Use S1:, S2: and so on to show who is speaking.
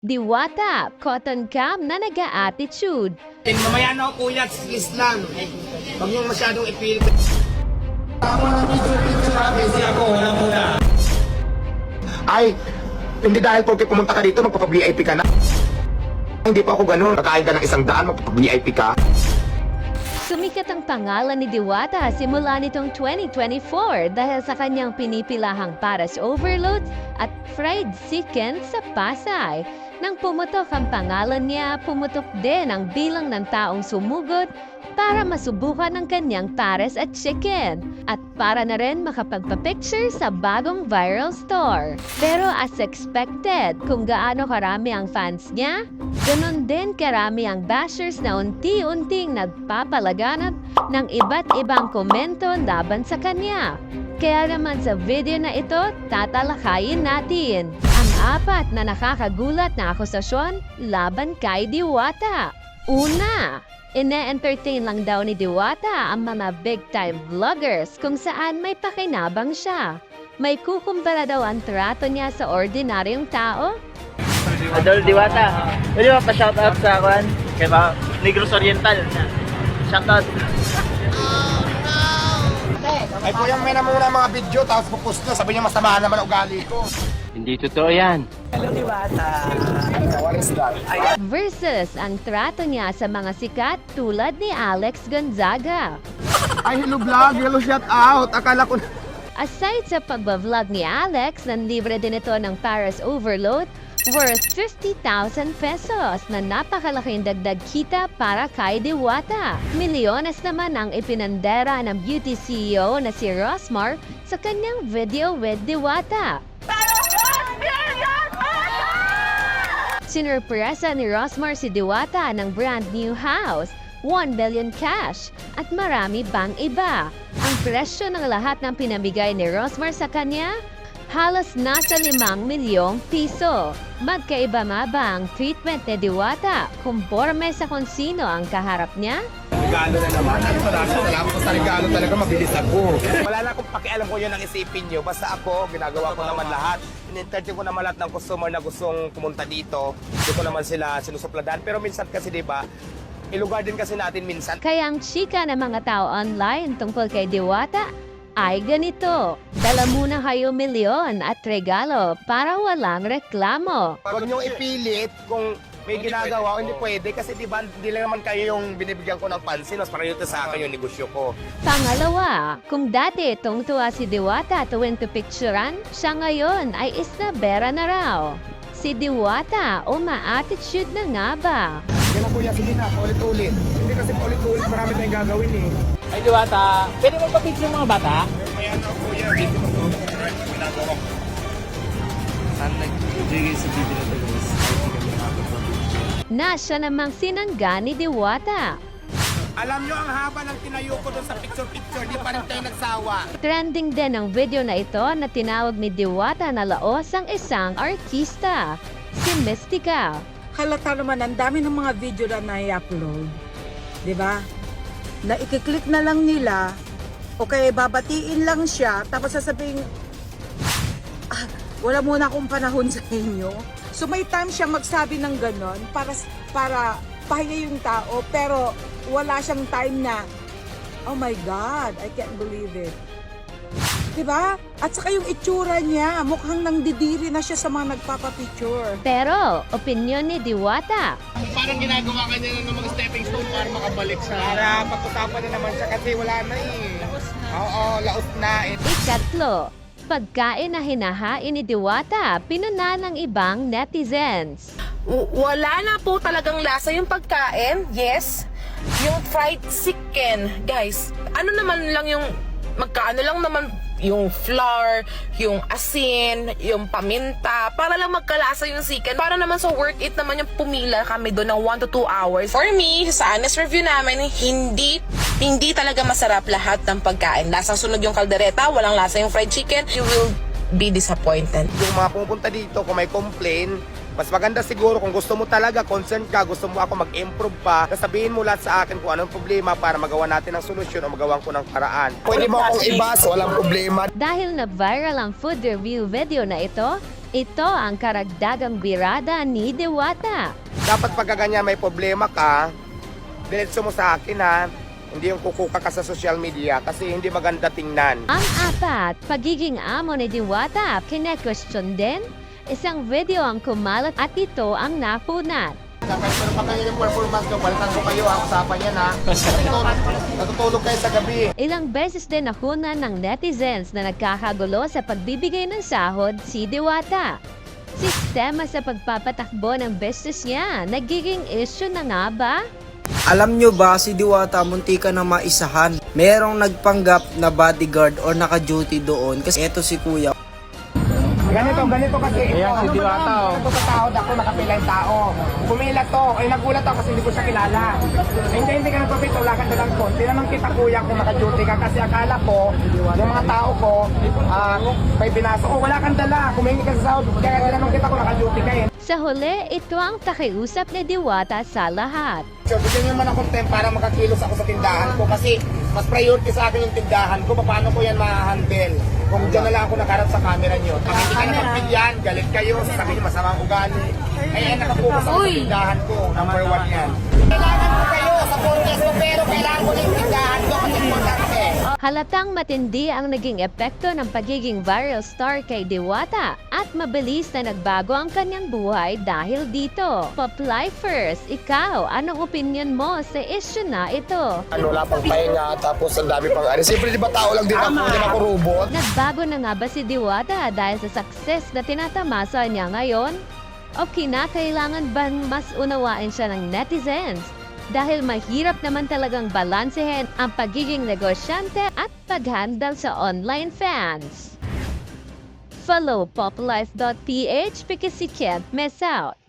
S1: Diwata, cotton cam na nag-a-attitude.
S2: Mamaya na ako kuya, please lang. Huwag niyong masyadong ipilit. Ay, hindi dahil porque pumunta ka dito, magpapa-VIP ka na. Hindi pa ako ganun. Kakain ka ng 100, magpapa-VIP ka.
S1: Sumikat ang pangalan ni Diwata simula nitong 2024 dahil sa kanyang pinipilahang paras overload at fried chicken sa Pasay. Nang pumutok ang pangalan niya, pumutok din ang bilang ng taong sumugod para masubukan ang kanyang pares at chicken at para na rin makapagpa-picture sa bagong viral store. Pero as expected, kung gaano karami ang fans niya, ganon din karami ang bashers na unti-unting nagpapalaganap ng iba't ibang komento laban sa kanya. Kaya naman sa video na ito, tatalakayin natin ang 4 na nakakagulat na akusasyon laban kay Diwata. Una, ine-entertain lang daw ni Diwata ang mga big-time vloggers kung saan may pakinabang siya. May kukumpara daw ang trato niya sa ordinaryong tao.
S3: Adol Diwata, pwede ba pa-shoutout sa akin? Kaya ba, Negros Oriental. Shoutout.
S2: Ay kuya, may na muna mga video, tapos pupost na. Sabi niya masama naman ang ugali ko.
S3: Hindi totoo yan.
S2: What is that?
S1: Versus ang trato niya sa mga sikat tulad ni Alex Gonzaga.
S2: Ay, hello vlog, hello shout out. Akala ko
S1: Aside sa pagbablog ni Alex, nanlibre din ito ng Paris Overload worth 50,000 pesos na napakalaking dagdag kita para kay Diwata. Milyones naman ang ipinandera ng beauty CEO na si Rosmar sa kanyang video with Diwata. Sinurpresa ni Rosmar si Diwata ng brand new house, 1 billion cash, at marami pang iba. Ang presyo ng lahat ng pinamigay ni Rosmar sa kanya, halos nasa 5 milyong piso. Magkaiba nga ba ang treatment ni Diwata? Kumporme sa kung sino ang kaharap niya?
S2: regalo na naman. At maraming salamat sa regalo talaga, mabilis ako. Wala na akong pakialam ko yun ang isipin nyo. Basta ako, ginagawa ko naman lahat. In-entertain ko naman lahat ng customer na gustong pumunta dito. Hindi ko naman sila sinusupladan. Pero minsan kasi diba, ilugar din kasi natin minsan.
S1: Kaya ang chika ng mga tao online tungkol kay Diwata ay ganito. Dala muna kayo milyon at regalo para walang reklamo.
S2: Huwag niyong ipilit kung may ginagawa o hindi pwede. Kasi diba, hindi lang naman kayo yung binibigyan ko ng pansin. Mas parang sa akin yung negosyo ko.
S1: Pangalawa, kung dati tungtuwa si Diwata tuwing pipicturan, siya ngayon ay isnabera na raw. Si Diwata uma-attitude na nga ba?
S2: Yan na kuya, sige na, ulit-ulit. Hindi kasi ulit-ulit, marami tayong gagawin eh.
S3: Ay Diwata, pwede mo pa-picture mga bata?
S2: Kaya na kuya, dito ko ginagawa ko.
S3: Saan nagbigay sa video na ito guys?
S1: Na siya namang sinangga ni Diwata.
S2: Alam nyo, ang haba ng tinayo ko doon sa picture-picture, di pa rin tayo nagsawa.
S1: Trending din ang video na ito na tinawag ni Diwata na laos ang isang artista, si Mystica.
S4: Halata naman, ang dami ng mga video na nai-upload. Di ba? Na ikiklik na lang nila, o kaya babatiin lang siya, tapos sasabihin, wala muna akong panahon sa inyo. So may time siya magsabi ng ganon para pahinga yung tao, pero wala siyang time na, oh my God, I can't believe it. Diba? At saka yung itsura niya, mukhang nangdidiri na siya sa mga nagpapapicture.
S1: Pero, opinyon ni Diwata,
S2: Parang ginagawa ka niya ng mga stepping stone para makabalik siya. Para pag-usapan na naman siya kasi wala na eh. Oo, laos na eh.
S1: ikatlo, pagkain na hinahain ni Diwata, pinuna ng ibang netizens.
S5: Wala na po talagang lasa yung pagkain. Yes. Yung fried chicken, guys. Ano naman lang yung magkaano lang naman yung flour, yung asin, yung paminta, para lang magkalasa yung chicken. Para naman so worth it naman yung pumila kami doon ng 1 to 2 hours. For me, sa honest review namin, hindi talaga masarap lahat ng pagkain. Lasang sunog yung kaldereta, walang lasa yung fried chicken. You will be disappointed.
S2: Yung mga pumupunta dito, kung may complain, mas maganda siguro kung gusto mo talaga, concerned ka, gusto mo ako mag-improve pa, sabihin mo lahat sa akin kung anong problema para magawa natin ng solusyon o magawa ko ng paraan. Pwede mo akong ibas, walang problema.
S1: Dahil na viral ang food review video na ito, Ito ang karagdagang birada ni Diwata.
S2: Dapat pagka ganyan may problema ka, diretso mo sa akin ha. Hindi yung kukuka ka sa social media kasi hindi maganda tingnan.
S1: Ang apat, pagiging amo ni Diwata, kine-question din. Isang video ang kumalat at ito ang napunat.
S2: Pero pag ganyan yung performance ko, balikan ko kayo ha, usapan yan ha. Natutulog kayo sa gabi.
S1: Ilang beses din nakunan ng netizens na nagkakagulo sa pagbibigay ng sahod si Diwata. Sistema sa pagpapatakbo ng business niya, nagiging issue na nga ba?
S6: Alam nyo ba si Diwata muntika na maisahan? Merong nagpanggap na bodyguard or naka-duty doon kasi eto si kuya.
S2: Ganito kasi ito. Ayan si Diwata oh. Ito sa tao, ako nakapila yung tao. Pumila to, ay nagulat ako kasi hindi ko siya kilala. Hindi ka nagpapit, wala ka dalang kon. Tinanong kita kuya kung naka-duty ka kasi akala ko, yung mga tao ko, may binaso, wala kang dala, kumingi ka sa sahod. Kaya tinanong kita kung naka-duty ka eh.
S1: Sa huli, ito ang takiusap ni Diwata sa lahat.
S2: So, bigyan nyo man akong time para makakilos ako sa tindahan ko kasi mas priority sa akin yung tindahan ko. Paano ko yan ma-handle? Kung dyan na lang ako nakaharap sa camera nyo. Pag hindi ka na magbigyan, galit kayo, sasabihin nyo masamang ugali. Ay, nakapokus ako sa tindahan ko. Number 1 yan. Kailangan ko kayo sa podcast ko, pero kailangan ko na yung tindahan ko kasi importante.
S1: Halatang matindi ang naging epekto ng pagiging viral star kay Diwata at mabilis na nagbago ang kanyang buhay dahil dito. Poplifers, ikaw, anong opinion mo sa issue na ito?
S2: Wala pang pahinga, tapos ang dami pang ano. Siyempre, di ba tao lang din ako, hindi ako robot?
S1: Nagbago na nga ba si Diwata dahil sa success na tinatamasa niya ngayon? O kinakailangan bang mas unawain siya ng netizens? Dahil mahirap naman talagang balansehin ang pagiging negosyante at paghandle sa online fans. Follow poplife.ph because you can't miss out.